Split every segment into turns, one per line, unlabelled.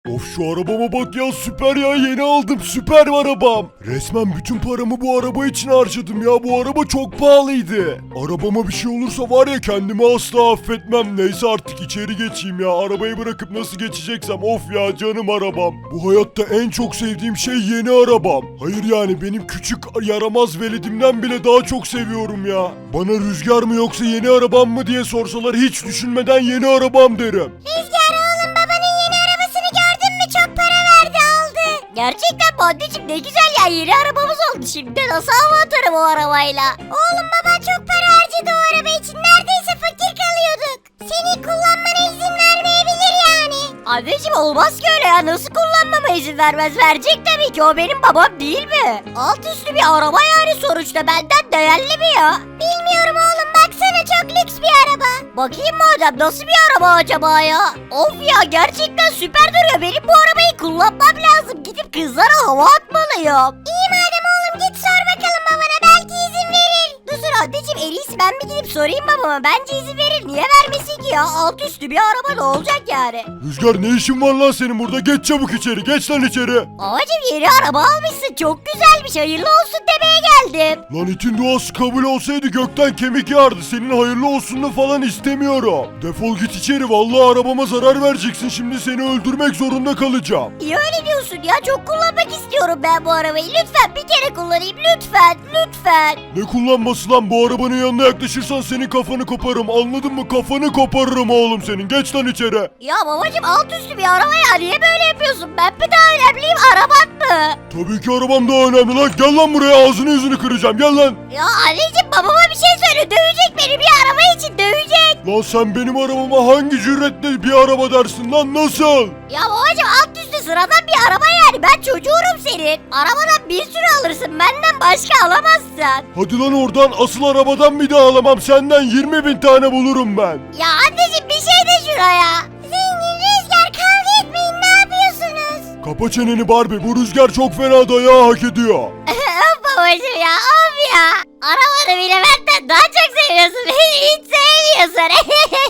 Of şu arabama bak ya, süper ya, yeni aldım, süper arabam. Resmen bütün paramı bu araba için harcadım ya, bu araba çok pahalıydı. Arabama bir şey olursa var ya, kendimi asla affetmem. Neyse artık içeri geçeyim ya, arabayı bırakıp nasıl geçeceksem, of ya canım arabam. Bu hayatta en çok sevdiğim şey yeni arabam. Hayır yani benim küçük yaramaz veledimden bile daha çok seviyorum ya. Bana rüzgar mı yoksa yeni arabam mı diye sorsalar hiç düşünmeden yeni arabam derim.
Rüzgar oğlum, babanın yeni arabasını gördün mü? Çok para verdi, aldı. Gerçekten mi anneciğim, ne güzel ya, yeni arabamız oldu. Şimdi nasıl hava atarım o arabayla? Oğlum, baban çok para harcadı o araba için, neredeyse fakir kalıyorduk. Seni kullanmana izin vermeyebilir yani. Anneciğim olmaz ki öyle ya, nasıl kullanmama izin vermez? Verecek tabii ki, o benim babam değil mi? Alt üstü bir araba yani, sonuçta benden değerli mi ya? Bilmiyorum oğlum, baksana çok lüks bir araba. Bakayım madem, nasıl bir araba acaba ya? Of ya, gerçekten süper duruyor, benim bu arabayı kullanmam lazım, gidip kızlara hava atmalıyım. İyi madem oğlum, git sor bakalım babana, belki izin verir. Dur anneciğim, en iyisi ben bir gidip sorayım babama, bence izin verir, niye vermesin ki ya? Alt üstü bir araba ne olacak yani?
Rüzgar ne işin var lan senin burada, geç çabuk içeri, geç lan içeri.
Babacım yeni araba almışsın, çok güzelmiş, hayırlı olsun demeye geldim.
Lan itin duası kabul olsaydı gökten kemik yağardı, senin hayırlı olsununu falan istemiyorum. Defol git içeri, vallahi arabama zarar vereceksin, şimdi seni öldürmek zorunda kalacağım.
Niye öyle diyorsun ya, çok kullanmak istiyorum ben bu arabayı, lütfen bir kere kullanayım, lütfen lütfen.
Ne kullanması lan, bu arabanın yanına yaklaşırsan senin kafanı koparırım, anladın mı, kafanı koparırım oğlum senin, geç lan içeri.
Ya babacım alt üstü bir araba ya, niye böyle yapıyorsun, ben mi daha önemliyim, araban mı?
Tabii ki arabam daha önemli lan, gel lan buraya, ağzını yüzünü kıracağım, gel lan.
Ya anneciğim babama bir şey söyle, dövecek beni, bir araba için dövecek.
Lan sen benim arabama hangi cüretle bir araba dersin lan, nasıl?
Ya babacım alt üstü sıradan bir araba yani, ben çocuğurum senin. Arabadan bir sürü alırsın, benden başka alamazsın.
Hadi lan oradan, asıl arabadan bir daha alamam, senden 20.000 tane bulurum ben.
Ya anneciğim bir şey de şuraya. Zengin, Rüzgar, kavga etmeyin, ne yapıyorsunuz?
Kapa çeneni Barbie, bu Rüzgar çok fena dayağı hak ediyor.
Of babacım ya, of ya. Arabanı bile benden daha çok seviyorsun, beni hiç sevmiyorsun.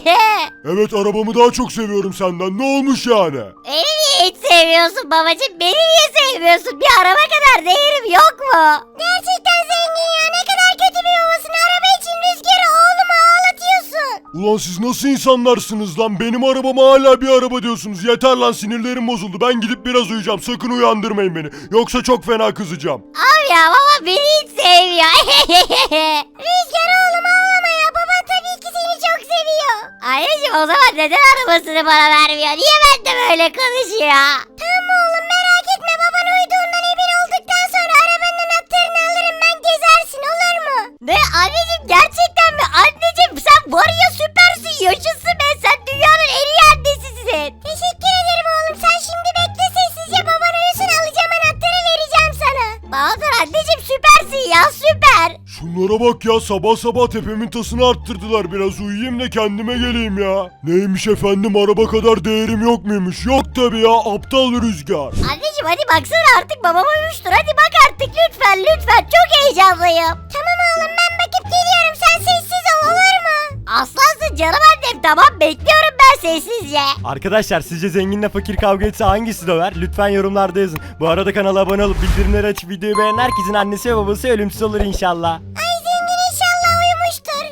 Evet, arabamı daha çok seviyorum senden, ne olmuş yani?
Beni niye hiç sevmiyorsun babacım, beni niye sevmiyorsun? Bir araba kadar değerim yok mu? Gerçekten zengin ya, ne kadar kötü bir babasın, araba için Rüzgar'ı oğluma ağlatıyorsun.
Ulan siz nasıl insanlarsınız lan, benim arabama hala bir araba diyorsunuz, yeter lan, sinirlerim bozuldu, ben gidip biraz uyuyacağım, sakın uyandırmayın beni, yoksa çok fena kızacağım.
Abi ya, baba beni hiç sevmiyor. Rüzgar oğlum ağlama ya, baban tabii ki seni çok seviyor. Anneciğim o zaman neden arabasını bana vermiyor? Niye ben de böyle konuşuyor? Tamam oğlum, merak etme, baban uyuduğundan emin olduktan sonra arabanın anahtarını alırım ben, gezersin, olur mu? Ne anneciğim, gerçekten mi? Anneciğim sen var ya, süpersin, yaşasın be, sen dünyanın en iyi annesisin. Teşekkür ederim oğlum, sen şimdi bekle sessizce, baban uyusun, alacağım anahtarı, vereceğim sana. Bahadır anneciğim süpersin ya, süper.
Şunlara bak ya, sabah sabah tepemin tasını arttırdılar, biraz uyuyayım da kendime geleyim ya. Neymiş efendim, araba kadar değerim yok muymuş? Yok tabi ya, aptal Rüzgar.
Anneciğim hadi baksana, artık babam uyumuştur, hadi bak artık lütfen lütfen, çok heyecanlıyım. Tamam oğlum, ben bakıp geliyorum, sen sessiz ol, olur mu? Aslansın canım annem, tamam bekliyorum ben sessizce.
Arkadaşlar sizce zenginle fakir kavga etse hangisi döver? Lütfen yorumlarda yazın. Bu arada kanala abone olup bildirimleri açıp videoyu beğenen herkesin annesi ve babası ölümsüz olur inşallah.
Ay zengin inşallah uyumuştur.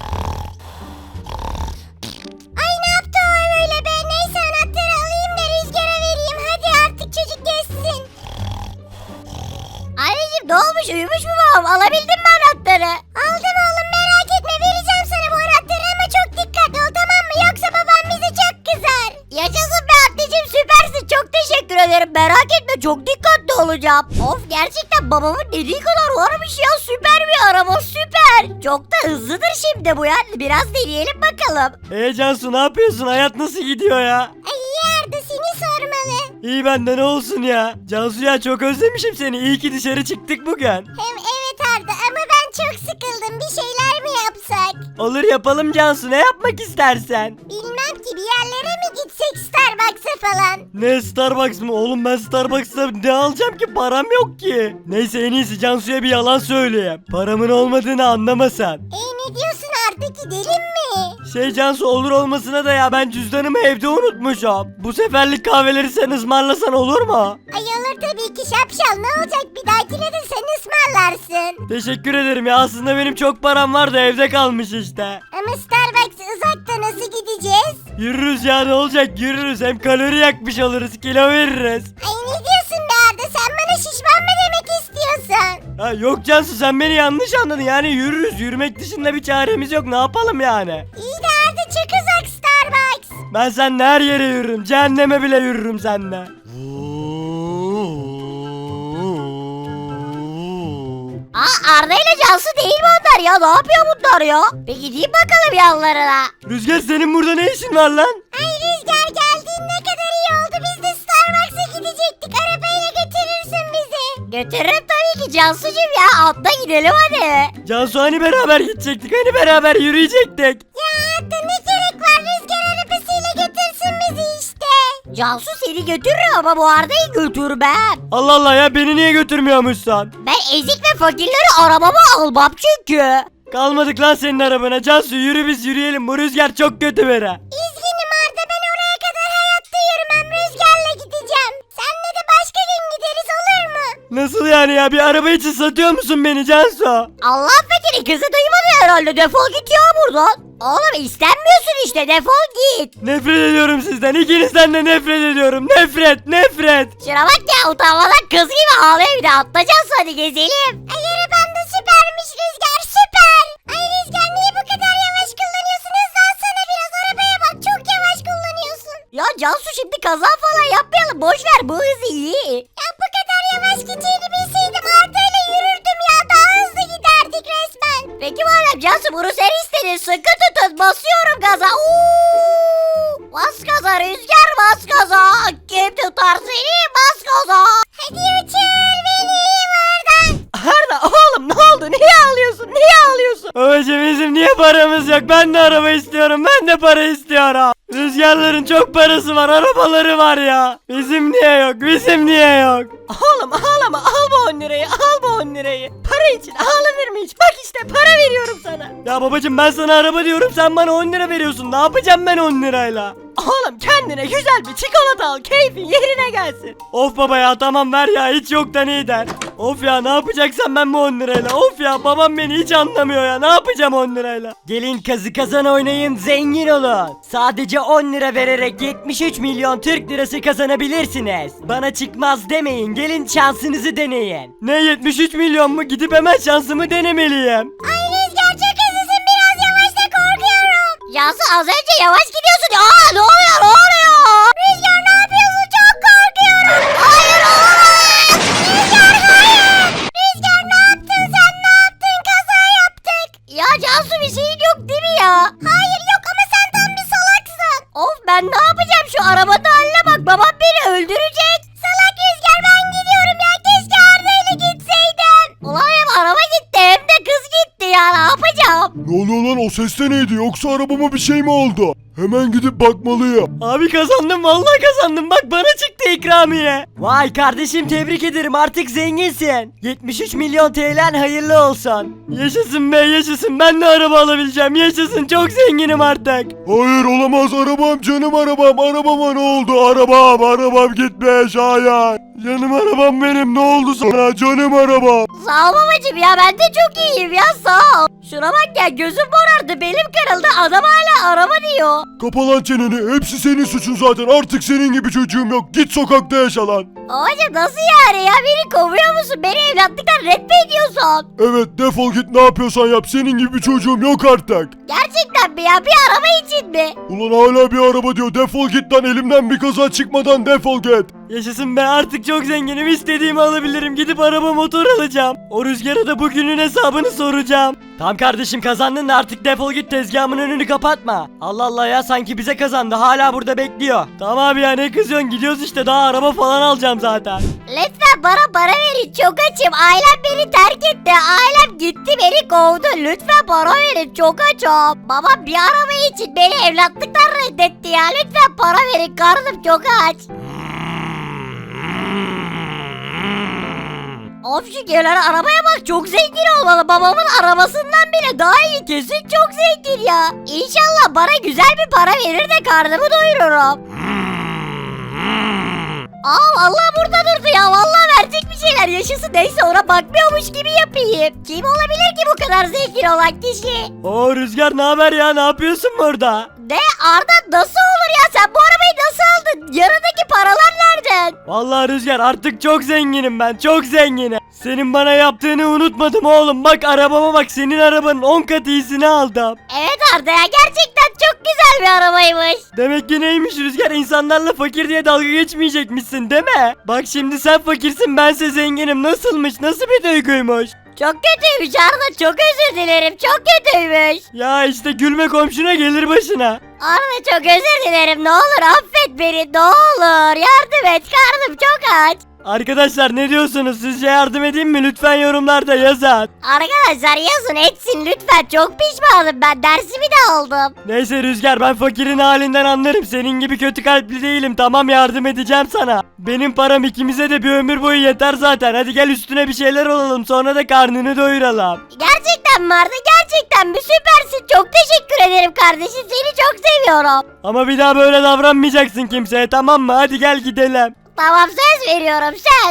Ay ne yaptı o öyle be, neyse anahtarı alayım da Rüzgar'a vereyim, hadi artık çocuk geçsin. Anneciğim ne olmuş, uyumuş mu babam, alabildin mi anahtarı? Aldım oğlum, merak etme, vereceğim sana bu anahtarı ama çok dikkatli ol, tamam mı, yoksa babam bize çok kızar. Yaşasın be anneciğim, süpersin, çok teşekkür ederim, merak etme, çok dikkatli olacağım. Of, gerçekten babamın dediği kadar varmış ya, süper bir araba, süper. Çok da hızlıdır şimdi bu ya, biraz deneyelim bakalım.
Cansu ne yapıyorsun? Hayat nasıl gidiyor ya?
Ay Arda, seni sormalı.
İyi bende ne olsun ya? Cansu ya çok özlemişim seni. İyi ki dışarı çıktık bugün.
Hem evet Arda, ama ben çok sıkıldım, bir şeyler mi yapsak?
Olur yapalım Cansu, ne yapmak istersen.
Bilmem ki, bir yerlere mi gitsek, Starbucks'a falan?
Ne Starbucks mı? Oğlum ben Starbucks'ta ne alacağım ki? Param yok ki. Neyse en iyisi Cansu'ya bir yalan söyleyeyim. Paramın olmadığını anlamasan.
Ne diyorsun Arda, hadi gidelim mi?
Cansu, olur olmasına da ya ben cüzdanımı evde unutmuşum. Bu seferlik kahveleri sen ısmarlasan olur mu?
Ay olur tabii ki şapşal, ne olacak, bir dahakine de sen ısmarlarsın.
Teşekkür ederim ya, aslında benim çok param var da evde kalmış işte.
Ama Starbucks uzakta, nasıl gideceğiz?
Yürürüz ya, ne olacak, yürürüz, hem kalori yakmış oluruz, kilo veririz.
Ay ne diyorsun be Arda, sen bana şişman mı demek istiyorsun?
Ha, yok Cansu, sen beni yanlış anladın, yani yürürüz, yürümek dışında bir çaremiz yok, ne yapalım yani?
İyi de Arda çok uzak Starbucks.
Ben seninle her yere yürürüm, cehenneme bile yürürüm seninle.
Arda ile Cansu değil mi onlar ya? Ne yapıyor bunlar ya? Bir gideyim bakalım yanlarına.
Rüzgar, senin burada ne işin var lan?
Ay Rüzgar, geldiğin ne kadar iyi oldu. Biz de Starbucks'a gidecektik. Arabayla götürürsün bizi. Götürürüm tabii ki Cansu'cum ya. Atla gidelim hadi.
Cansu, hani beraber gidecektik, hani beraber yürüyecektik.
Ya hatta ne gerek var, Rüzgar arabasıyla götürsün bizi işte. Cansu seni götürür ama bu Arda'yı götürmem.
Allah Allah ya, beni niye götürmüyormuşsun?
Ben ezik ve fakirleri arabama almam çünkü.
Kalmadık lan senin arabana. Cansu, yürü, biz yürüyelim, bu Rüzgar çok kötü biri.
Üzgünüm Arda, ben oraya kadar hayatta yürümem, Rüzgar'la gideceğim. Senle de başka gün gideriz, olur mu?
Nasıl yani ya, bir araba için satıyor musun beni Cansu?
Allah fakiri kızı duymadı herhalde, defol git ya buradan. Oğlum istenmiyorsun işte, defol git.
Nefret ediyorum sizden, ikinizden de nefret ediyorum, nefret.
Şuna bak ya, utanmadan kız gibi ağlıyor, bir de atlayacağız, hadi gezelim. Ay araban da süpermiş Rüzgar, süper. Ay Rüzgar, niye bu kadar yavaş kullanıyorsun? Hızlansana biraz, arabaya bak, çok yavaş kullanıyorsun. Ya Cansu, şimdi kaza falan yapmayalım, boş ver, bu hız iyi. Ya bu kadar yavaş gideceğini bilseydim Arda'yla yürürdüm ya, daha hızlı giderdik resmen. Peki madem Cansu bunu sen istedin, sıkı tutun, basıyorum gaza. Bas gaza Rüzgar, bas gaza. Kim tutar seni, bas gaza. Hadi uçur beni buradan.
Arda, oğlum ne oldu, niye ağlıyorsun? Babacım, bizim niye paramız yok, ben de araba istiyorum, ben de para istiyorum. Rüzgarların çok parası var, arabaları var ya. Bizim niye yok? Oğlum ağlama, al bu 10 lirayı, Para için ağlanır mı hiç? Bak işte para veriyorum sana. Ya babacım, ben sana araba diyorum, sen bana 10 lira veriyorsun. Ne yapacağım ben 10 lirayla? Oğlum kendine güzel bir çikolata al, keyfin yerine gelsin. Of baba ya, tamam ver ya, hiç yoktan iyi der. Of ya, ne yapacaksan ben bu 10 lirayla. Of ya, babam beni hiç anlamıyor ya, ne yapacağım 10 lirayla? Gelin kazı kazan oynayın, zengin olun. Sadece 10 lira vererek 73 milyon Türk lirası kazanabilirsiniz. Bana çıkmaz demeyin, gelin şansınızı deneyin. Ne 73 milyon mu? Gidip hemen şansımı denemeliyim.
Ay Rüzgar, çok hızlısın, biraz yavaş da korkuyorum. Cansu az önce yavaş gidiyorsun. Ne oluyor? Rüzgar ne yapıyorsun? Çok korkuyorum. Hayır olamaz. Rüzgar hayır. Rüzgar ne yaptın sen, ne yaptın? Kaza yaptık. Ya Cansu, bir şeyin yok değil mi ya? Hayır yok, ama sen tam bir salaksın. Of, ben ne yapacağım, şu arabanın haline bak, babam beni öldürecek. Salak Rüzgar, ben gidiyorum ya, keşke Arda ile gitseydim. Ulan hem araba gitti hem de kız gitti ya, ne yapacağım?
Ne oluyor lan, o ses de neydi, yoksa arabama bir şey mi oldu? Hemen gidip bakmalıyım.
Abi kazandım, vallahi kazandım, bak bana çıktı ikramiye. Vay kardeşim, tebrik ederim, artık zenginsin. 73 milyon TL'n hayırlı olsun. Yaşasın be, yaşasın, ben de araba alabileceğim, yaşasın, çok zenginim artık.
Hayır olamaz, arabam, canım arabama ne oldu? Arabam gitmiş, hayır. Canım arabam benim, ne oldu sana canım arabam?
Sağ ol babacım ya, ben de çok iyiyim ya, sağ ol. Şuna bak ya, gözüm morardı, belim kırıldı, adam hala araba diyor.
Kapa lan çeneni, hepsi senin suçun zaten, artık senin gibi çocuğum yok, git sokakta yaşa lan.
Babacım nasıl yani ya, beni kovuyor musun, beni evlatlıktan red mi ediyorsun?
Evet, defol git, ne yapıyorsan yap, senin gibi bir çocuğum yok artık.
Gerçekten mi ya, bir araba için mi?
Ulan hala bir araba diyor, defol git lan, elimden bir kaza çıkmadan defol git.
Yaşasın be, artık çok zenginim, istediğimi alabilirim, gidip araba motor alacağım. O Rüzgar'a da bugünün hesabını soracağım. Tamam kardeşim, kazandın da artık defol git, tezgahımın önünü kapatma. Allah Allah ya, sanki bize kazandı, hala burada bekliyor. Tamam abi ya, ne kızıyorsun, gidiyoruz işte, daha araba falan alacağım zaten.
Lütfen bana para verin, çok açım, ailem beni terk etti, ailem gitti, beni kovdu, lütfen para verin, çok açım. Babam bir araba için beni evlatlıktan reddetti ya, lütfen para verin, karnım çok aç. Of şu gelen arabaya bak, çok zengin olmalı. Babamın arabasından bile daha iyi, kesin çok zengin ya. İnşallah bana güzel bir para verir de karnımı doyururum. Aa vallahi burada durdu ya, vallahi verecek bir şeyler, yaşasın. Neyse ona bakmıyormuş gibi yapayım. Kim olabilir ki bu kadar zengin olan kişi?
Oo Rüzgar, ne haber ya, ne yapıyorsun burada?
De Arda, nasıl olur ya, sen bu arabayı nasıl aldın? Yanındaki paralar nereden?
Vallahi Rüzgar, artık çok zenginim ben, çok zenginim. Senin bana yaptığını unutmadım oğlum. Bak arabama bak, senin arabanın 10 kat iyisini aldım.
Evet Arda ya, gerçekten çok güzel bir arabaymış.
Demek ki neymiş Rüzgar, insanlarla fakir diye dalga geçmeyecekmişsin değil mi? Bak şimdi sen fakirsin, bense zenginim. Nasılmış, nasıl bir duyguymuş?
Çok kötüymüş Arda, çok özür dilerim, çok kötüymüş.
Ya işte gülme komşuna gelir başına.
Arda çok özür dilerim, ne olur affet beni, ne olur yardım et, karnım çok aç.
Arkadaşlar ne diyorsunuz, sizce yardım edeyim mi? Lütfen yorumlarda yazın.
Arkadaşlar yazın etsin lütfen, çok pişmanım, ben dersimi de aldım.
Neyse Rüzgar, ben fakirin halinden anlarım. Senin gibi kötü kalpli değilim. Tamam, yardım edeceğim sana. Benim param ikimize de bir ömür boyu yeter zaten. Hadi gel üstüne bir şeyler alalım, sonra da karnını doyuralım.
Gerçekten mi Arda, gerçekten mi? Süpersin, çok teşekkür ederim kardeşim, seni çok seviyorum.
Ama bir daha böyle davranmayacaksın kimseye, tamam mı? Hadi gel gidelim.
Tamam, söz veriyorum, söz.